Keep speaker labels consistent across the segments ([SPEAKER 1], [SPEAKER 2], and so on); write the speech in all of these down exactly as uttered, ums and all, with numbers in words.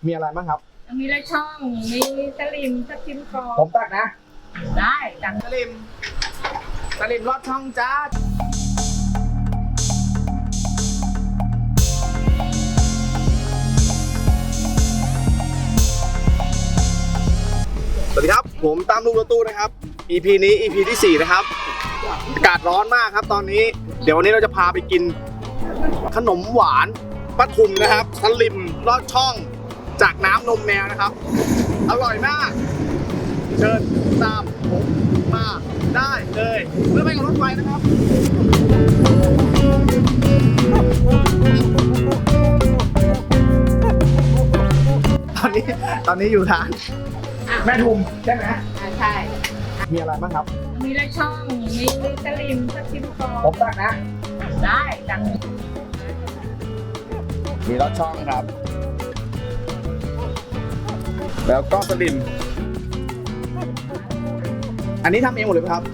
[SPEAKER 1] มีอะไรบ้างครับ
[SPEAKER 2] มีละช่องมีสลิมสักชิ้นกรอบ
[SPEAKER 1] ผมตักนะ
[SPEAKER 2] ได้ตัก
[SPEAKER 1] สลิมสลิมลอดช่องจ้าสวัสดีครับผมตามลูกรถตู้นะครับ อี พี นี้ อี พี ที่สี่นะครับอากาศร้อนมากครับตอนนี้เดี๋ยววันนี้เราจะพาไปกินขนมหวานป้าทุมนะครับสลิมลอดช่องจากน้ำนมแมวนะครับอร่อยมากเชิญตามผมมาได้เลยเพื่อไปกับรถไฟนะครับตอนนี้ตอนนี้อยู่ร้านแม่ทุมใช่ไหม
[SPEAKER 2] ใช่
[SPEAKER 1] มีอะไรบ้างครับ
[SPEAKER 2] มีละช่องมีสลิมสักชิ้นกรอบ
[SPEAKER 1] ผมตักนะ
[SPEAKER 2] ได้ตัก
[SPEAKER 1] มีลอดช่องครับแล้วก็สลิมอันนี้ทำเองหมดเลยไหมครับ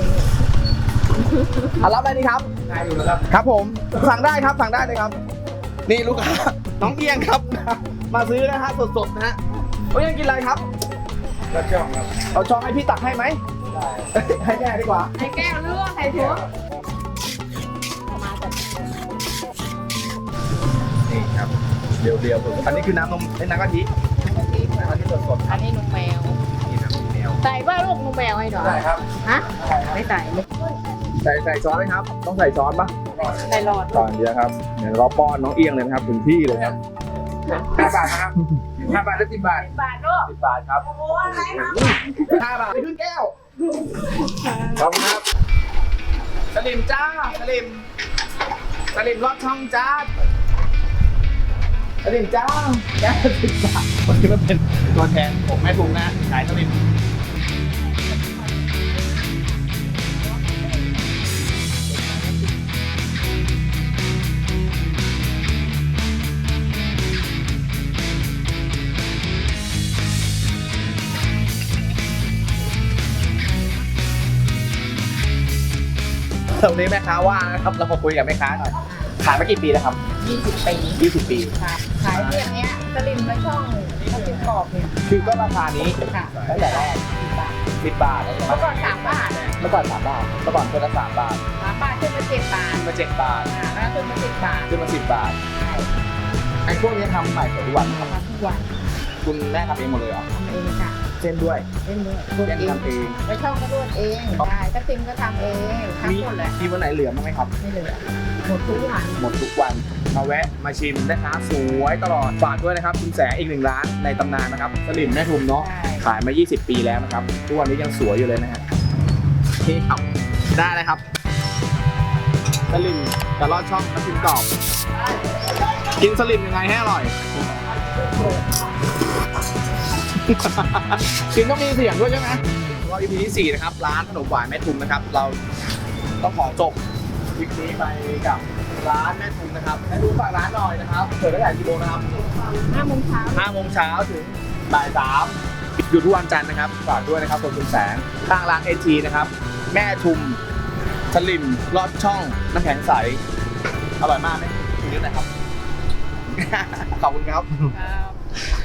[SPEAKER 1] เอารับอะไรดีครับได้อยู่แล้วครับครับผมสั่งได้ครับสั่งได้เลยครับนี่ลูกค้าน้องเอียงครับมาซื้อนะฮะสดๆนะฮะโอ้ยยังกินอะไรครับลอดช่องครับเอาช่องให้พี่ตักให้ไหมได้ให้แม่ดีกว่า
[SPEAKER 2] ให้แก้วหรือว่าให้ถั่ว
[SPEAKER 1] นี่ครับเรียวๆอันนี้คือน้ำนมไอ้น้ำกะทิน้ำกะทิน้ำกะทิสดๆ
[SPEAKER 2] อันนี้นมแมว
[SPEAKER 1] นี่น้ำนมแมว
[SPEAKER 2] ใส่ว่าลูกนมแมวให้หน่อย
[SPEAKER 1] ใส่ครับ
[SPEAKER 2] ฮะไม่ใส่
[SPEAKER 1] ใส่ใส่ช้อนไหมครับต้องใส่ช้อนปะ
[SPEAKER 2] ใส่หลอด
[SPEAKER 1] ก่อนเดียวครับเดี๋ยวเราป้อนน้องเอียงเลยนะครับถึงที่เลยครับห้าบาทนะครับห้าบาทหรือสิบบาท
[SPEAKER 2] สิบบาทลูก
[SPEAKER 1] สิบบาทครับโอ้โหอะไรครับห้าบาทไปขึ้นแก้วขอบคุณครับสลิมจ้าสลิมสลิมลอดช่องจ้าสลิมจ้าแก้วสิบบาทวันนี้มันเป็นตัวแทนผมแม่ทุงนะขายสลิมวันนี้แม่ค้าว่างนะครับเรามาคุยกับแม่ค้าหน่อยขายมากี่ปีแล้วครับ
[SPEAKER 2] ยี่สิบปี
[SPEAKER 1] ยี่สิบปี
[SPEAKER 2] ค่ะขายเรื่องนี้สลิมและช่องก็เป็นกรอบเนี่ย
[SPEAKER 1] คือก็ราคานี้
[SPEAKER 2] ค่ะ
[SPEAKER 1] ตั้งแต่แรกสิบบาท
[SPEAKER 2] เมื่อก่อนสามบาท
[SPEAKER 1] เมื่อก่อนสามบาทเมื่อก่อนคนละสามบาท
[SPEAKER 2] สามบาทขึ้นมาเจ็ดบาท
[SPEAKER 1] ขึ้นมาเจ็ดบาท
[SPEAKER 2] แล้วขึ้นมาสิบบาท
[SPEAKER 1] ขึ้นมาสิบบาทไอ้พวกนี้ทำใหม่ทุกวัน
[SPEAKER 2] ทำทุกวัน
[SPEAKER 1] คุณแม่ทำเองหมดเลยเหรอ
[SPEAKER 2] ทำเองค่ะ
[SPEAKER 1] เส้นด้วย
[SPEAKER 2] เส้นด้วย
[SPEAKER 1] เส้นทำเอง
[SPEAKER 2] แล้วช่องก็นวดเองได้ถ้าซิมก็ทำเองทำหมดเลย
[SPEAKER 1] มีวันไหนเหลือมั้งไหมครับ
[SPEAKER 2] ไม่เหลือหมดทุกวัน
[SPEAKER 1] หมดทุกวันมาแวะมาชิมนะคะสวยตลอดฝากด้วยนะครับคุณแสงอีกหนึ่งร้านในตำนานนะครับสลิมแม่ทุมเนาะขายมายี่สิบปีแล้วนะครับทุกวันนี้ยังสวยอยู่เลยนะฮะนี่ครับได้เลยครับสลิมกับลอดช่องน้ำจิ้มกรอบกินสลิมยังไงให้อร่อยกินต้องมีเสียงด้วยใช่ไหมก็ อี พี ที่สี่นะครับร้านขนมหวานแม่ทุมนะครับเราต้องขอจบคลิปนี้ไปกับร้านแม่ทุมนะครับให้ดูฝากร้านหน่อยนะครับเปิดตั้งแต่กี่โมงนะครับ
[SPEAKER 2] ห้าโมงเช้า
[SPEAKER 1] ห้าโมงเช้าถึงบ่ายสามหยุดทุกวันจันทร์นะครับฝากด้วยนะครับคุณแสงข้างร้านเอทีนะครับแม่ทุมสลิมลอดช่องน้ำแข็งใสอร่อยมากไหมทีนี้นะครับขอบคุณครับ